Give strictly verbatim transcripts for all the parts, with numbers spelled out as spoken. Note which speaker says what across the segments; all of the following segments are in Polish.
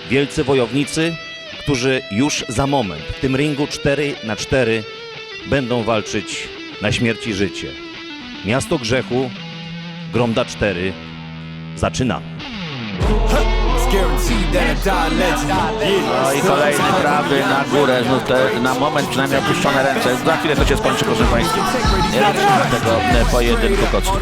Speaker 1: wielcy wojownicy, którzy już za moment w tym ringu cztery na cztery będą walczyć na śmierć i życie. Miasto Grzechu, Gromda cztery. Zaczynamy.
Speaker 2: No i kolejny prawy na górę, znów te, na moment przynajmniej opuszczone ręce. Za chwilę to się skończy, proszę Państwa. Nie liczymy tego e, pojedynku kocki.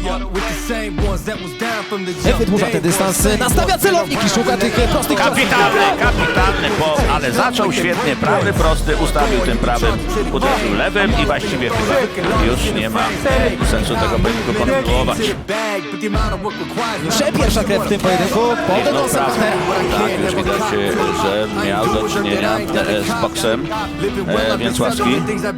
Speaker 3: Wydłuża ten dystans, nastawia celownik i szuka tych prostych ciosów.
Speaker 2: Kapitalny, kapitalny, bo, ale zaczął świetnie, prawy prosty, ustawił tym prawym, uderzył lewym i właściwie chyba już nie ma sensu tego pojedynku kontynuować.
Speaker 3: Pierwsza krew w tym pojedynku, potem
Speaker 2: No
Speaker 3: do
Speaker 2: prawda,
Speaker 3: Santera.
Speaker 2: tak, już widać, że miał do czynienia e, z boksem e, Więcławski.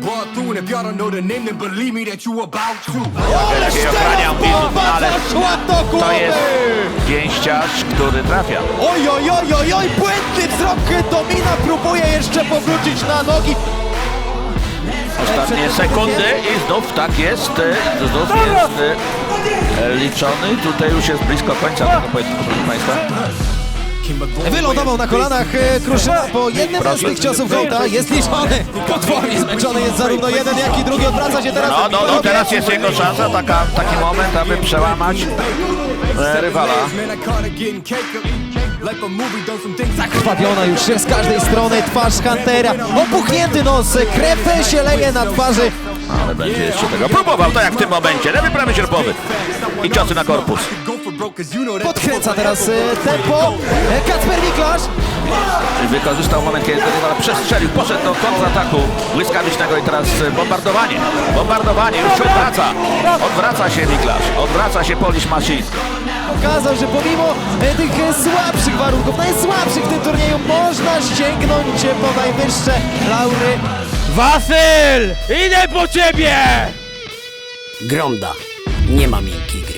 Speaker 2: Lepiej ochraniał widzów, ale to jest pięściarz, który trafia.
Speaker 3: Oj, oj, oj, oj, oj, błędny wzrok Domina, próbuje jeszcze powrócić na nogi.
Speaker 2: Ostatnie sekundy i znów tak jest, e, znów jest e, liczony. Tutaj już jest blisko końca tego pojedynku, proszę Państwa.
Speaker 3: Wylądował na kolanach e, Kruszyna po jednym z tych ciosów Gołta. Jest liczony. Potwornie zmęczony jest zarówno jeden, jak i drugi. Odwraca się teraz.
Speaker 2: No, no, no, teraz jest jego szansa, taka, taki moment, aby przełamać e, rywala.
Speaker 3: Zakrwawiona już z każdej strony twarz Huntera. Opuchnięty nos, krew się leje na twarzy.
Speaker 2: Ale będzie jeszcze tego próbował, tak jak w tym momencie. Lewy, prawy, sierpowy. I ciosy na korpus.
Speaker 3: Podkręca teraz e, tempo. E, Kacper Miklasz.
Speaker 2: Wykorzystał moment, kiedy rywal przestrzelił, poszedł do kontrataku błyskawicznego i teraz bombardowanie. Bombardowanie, już się odwraca. Odwraca się Miklasz, odwraca się Polish Machine.
Speaker 3: Pokazał, że pomimo e, tych e, słabszych warunków, najsłabszych w tym turnieju, można sięgnąć e, po najwyższe laury.
Speaker 4: Wasyl! Idę po ciebie!
Speaker 5: Gromda. Nie ma miękkich